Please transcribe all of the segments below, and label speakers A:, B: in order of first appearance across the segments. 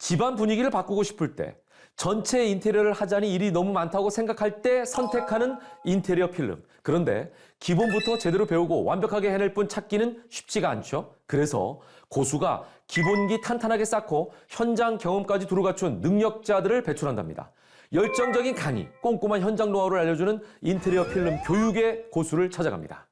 A: 집안 분위기를 바꾸고 싶을 때, 전체 인테리어를 하자니 일이 너무 많다고 생각할 때 선택하는 인테리어 필름. 그런데 기본부터 제대로 배우고 완벽하게 해낼 뿐 찾기는 쉽지가 않죠. 그래서 고수가 기본기 탄탄하게 쌓고 현장 경험까지 두루 갖춘 능력자들을 배출한답니다. 열정적인 강의, 꼼꼼한 현장 노하우를 알려주는 인테리어 필름 교육의 고수를 찾아갑니다.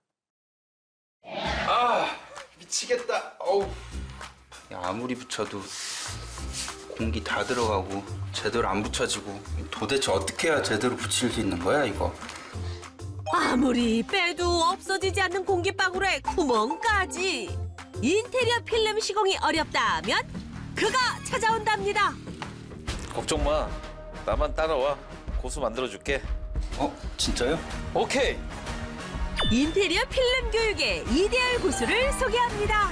B: 아, 미치겠다. 어우. 야, 아무리 붙여도 공기 다 들어가고 제대로 안 붙여지고 도대체 어떻게 해야 제대로 붙일 수 있는 거야, 이거?
C: 아무리 빼도 없어지지 않는 공기방울에 구멍까지. 인테리어 필름 시공이 어렵다면 그가 찾아온답니다.
D: 걱정 마. 나만 따라와. 고수 만들어줄게.
B: 진짜요?
D: 오케이.
C: 인테리어 필름 교육의 이데얼 고수를 소개합니다.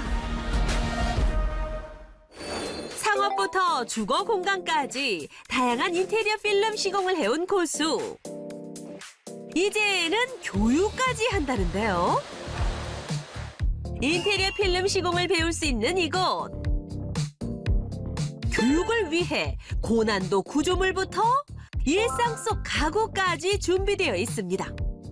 C: 상업부터 주거 공간까지 다양한 인테리어 필름 시공을 해온 고수. 이제는 교육까지 한다는데요. 인테리어 필름 시공을 배울 수 있는 이곳. 교육을 위해 고난도 구조물부터 일상 속 가구까지 준비되어 있습니다.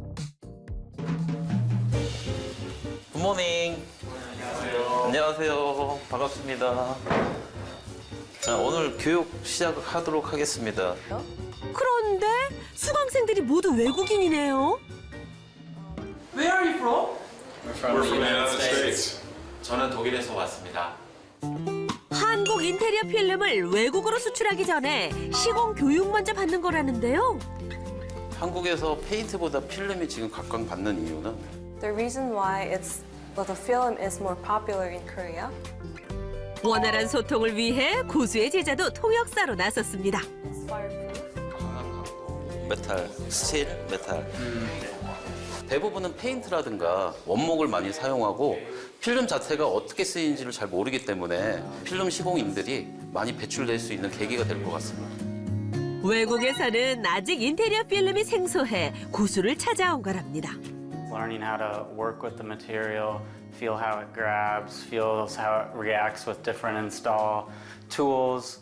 D: 굿모닝. 안녕하세요. 반갑습니다. 자, 오늘 교육 시작하도록 하겠습니다.
C: 그런데 수강생들이 모두 외국인이네요.
E: Where are you from?
F: We're from the United States.
E: 저는 독일에서 왔습니다.
C: 한국 인테리어 필름을 외국으로 수출하기 전에 시공 교육 먼저 받는 거라는데요.
D: 한국에서 페인트보다 필름이 지금 각광받는 이유는
G: The reason why the film is more popular in Korea.
C: 원활한 소통을 위해 고수의 제자도 통역사로 나섰습니다.
G: It's fireproof.
D: 메탈, 스틸, 메탈. 대부분은 페인트라든가 원목을 많이 사용하고 필름 자체가 어떻게 쓰이는지를 잘 모르기 때문에 필름 시공인들이 많이 배출될 수 있는 계기가 될 것 같습니다.
C: 외국에서는 아직 인테리어 필름이 생소해 고수를 찾아온 거랍니다.
H: Learning how to work with the material, feel how it grabs, feels how it reacts with different install tools.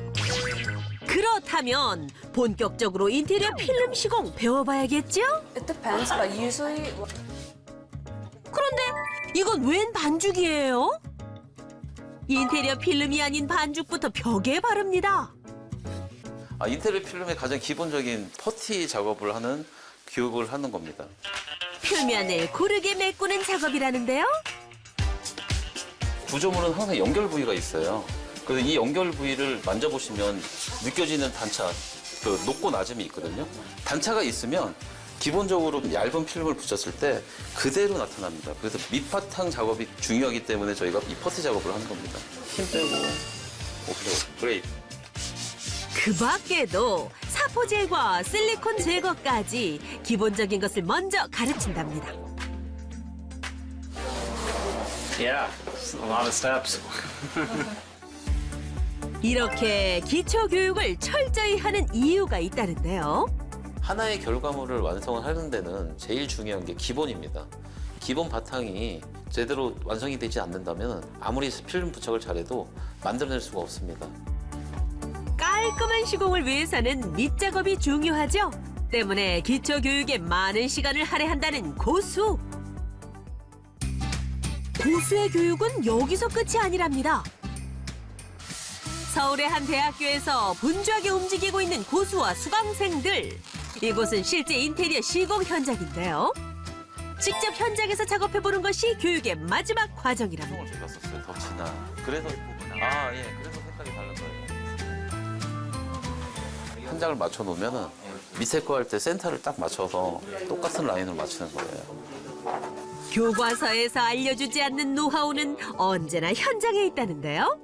C: 그렇다면 본격적으로 인테리어 필름 시공 배워봐야겠죠?
G: It depends, but usually
C: 그런데 이건 웬 반죽이에요? 인테리어 필름이 아닌 반죽부터 벽에 바릅니다.
D: 인테리어 필름의 가장 기본적인 퍼티 작업을 하는 교육을 하는 겁니다.
C: 표면을 고르게 메꾸는 작업이라는데요.
D: 구조물은 항상 연결 부위가 있어요. 그래서 이 연결 부위를 만져보시면 느껴지는 단차, 그 높고 낮음이 있거든요. 단차가 있으면 기본적으로 얇은 필름을 붙였을 때 그대로 나타납니다. 그래서 밑바탕 작업이 중요하기 때문에 저희가 이 퍼티 작업을 하는 겁니다. 힘 빼고, 오케이, 그레이트.
C: 그 밖에도 사포 제거, 실리콘 제거까지 기본적인 것을 먼저 가르친답니다.
H: Yeah, it's a lot of steps.
C: 이렇게 기초 교육을 철저히 하는 이유가 있다는데요.
D: 하나의 결과물을 완성을 하는 데는 제일 중요한 게 기본입니다. 기본 바탕이 제대로 완성이 되지 않는다면 아무리 필름 부착을 잘해도 만들어낼 수가 없습니다.
C: 깔끔한 시공을 위해서는 밑작업이 중요하죠. 때문에 기초 교육에 많은 시간을 할애한다는 고수. 고수의 교육은 여기서 끝이 아니랍니다. 서울의 한 대학교에서 분주하게 움직이고 있는 고수와 수강생들. 이곳은 실제 인테리어 시공 현장인데요. 직접 현장에서 작업해보는 것이 교육의 마지막 과정이랍니다.
D: 제가 썼어요, 덧이나. 그래서, 그래서 색깔이 다른 거예요. 한 장을 맞춰놓으면 밑에 거 할 때 센터를 딱 맞춰서 똑같은 라인을 맞추는 거예요.
C: 교과서에서 알려주지 않는 노하우는 언제나 현장에 있다는데요.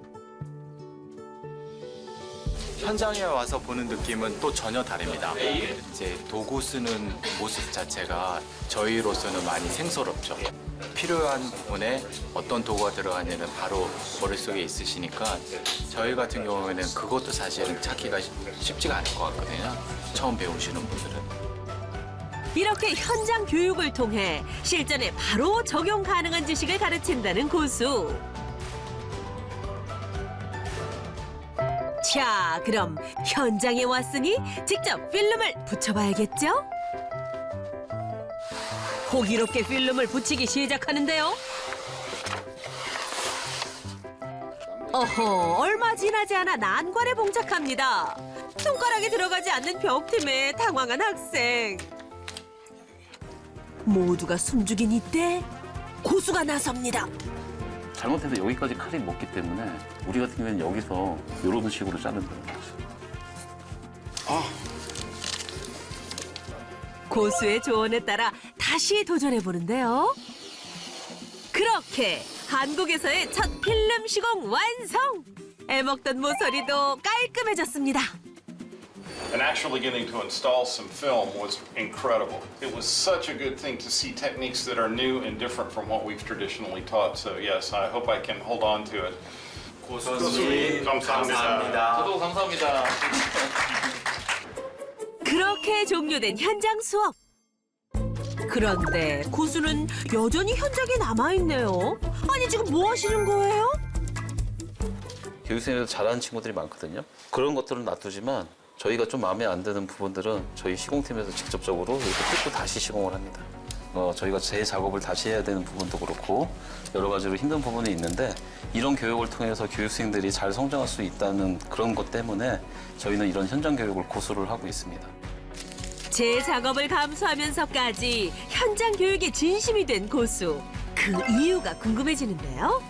F: 현장에 와서 보는 느낌은 또 전혀 다릅니다. 이제 도구 쓰는 모습 자체가 저희로서는 많이 생소롭죠. 필요한 부분에 어떤 도구가 들어가냐는 바로 머릿속에 있으시니까 저희 같은 경우에는 그것도 사실은 찾기가 쉽지가 않을 것 같거든요. 처음 배우시는 분들은.
C: 이렇게 현장 교육을 통해 실전에 바로 적용 가능한 지식을 가르친다는 고수. 자, 그럼 현장에 왔으니 직접 필름을 붙여봐야겠죠? 호기롭게 필름을 붙이기 시작하는데요. 어허, 얼마 지나지 않아 난관에 봉착합니다. 손가락이 들어가지 않는 벽팀에 당황한 학생. 모두가 숨죽인 이때 고수가 나섭니다.
D: 잘못해서 여기까지 칼이 먹기 때문에 우리 같은 경우에는 여기서 이런 식으로 자른다는 거죠.
C: 고수의 조언에 따라 다시 도전해 보는데요. 그렇게 한국에서의 첫 필름 시공 완성! 애먹던 모서리도 깔끔해졌습니다.
I: And actually getting to install some film was incredible. It was such a good thing to see techniques that are new and different from what we've traditionally taught. So yes, I hope I can hold on to it.
E: 고수님
I: 감사합니다.
E: 감사합니다.
D: 저도 감사합니다.
C: 그렇게 종료된 현장 수업. 그런데 고수는 여전히 현장에 남아있네요. 아니, 지금 뭐 하시는 거예요?
D: 교육생에서 잘하는 친구들이 많거든요. 그런 것들은 놔두지만 저희가 좀 마음에 안 드는 부분들은 저희 시공팀에서 직접적으로 이렇게 뜯고 다시 시공을 합니다. 저희가 제 작업을 다시 해야 되는 부분도 그렇고 여러 가지로 힘든 부분이 있는데 이런 교육을 통해서 교육생들이 잘 성장할 수 있다는 그런 것 때문에 저희는 이런 현장 교육을 고수를 하고 있습니다.
C: 제 작업을 감수하면서까지 현장 교육에 진심이 된 고수. 그 이유가 궁금해지는데요.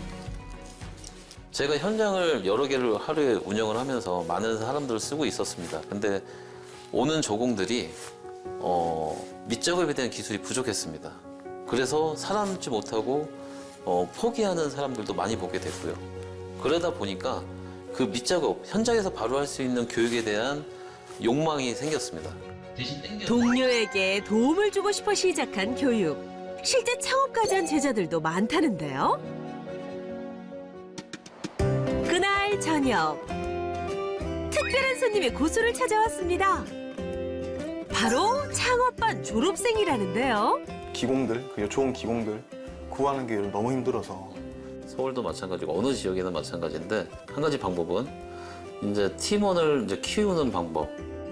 D: 제가 현장을 여러 개를 하루에 운영을 하면서 많은 사람들을 쓰고 있었습니다. 근데 오는 조공들이 밑작업에 대한 기술이 부족했습니다. 그래서 살아남지 못하고 포기하는 사람들도 많이 보게 됐고요. 그러다 보니까 그 밑작업, 현장에서 바로 할 수 있는 교육에 대한 욕망이 생겼습니다.
C: 동료에게 도움을 주고 싶어 시작한 교육. 실제 창업까지 한 제자들도 많다는데요. 그날 저녁, 특별한 손님이 고수를 찾아왔습니다. 바로 창업반 졸업생이라는데요.
J: 기공들, 그리고 좋은 기공들 구하는 게 너무 힘들어서.
D: 서울도 마찬가지고 어느 지역이나 마찬가지인데 한 가지 방법은 이제 팀원을 이제 키우는 방법.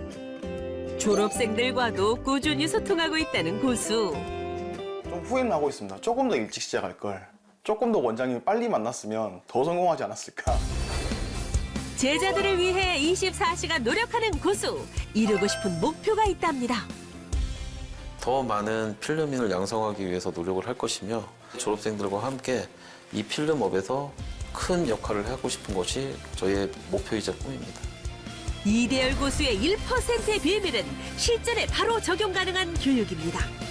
C: 졸업생들과도 꾸준히 소통하고 있다는 고수.
J: 좀 후회는 하고 있습니다. 조금 더 일찍 시작할 걸. 조금 더 원장님을 빨리 만났으면 더 성공하지 않았을까.
C: 제자들을 위해 24시간 노력하는 고수. 이루고 싶은 목표가 있답니다.
D: 더 많은 필름인을 양성하기 위해서 노력을 할 것이며 졸업생들과 함께 이 필름업에서 큰 역할을 하고 싶은 것이 저희의 목표이자 꿈입니다.
C: 이대열 고수의 1%의 비밀은 실전에 바로 적용 가능한 교육입니다.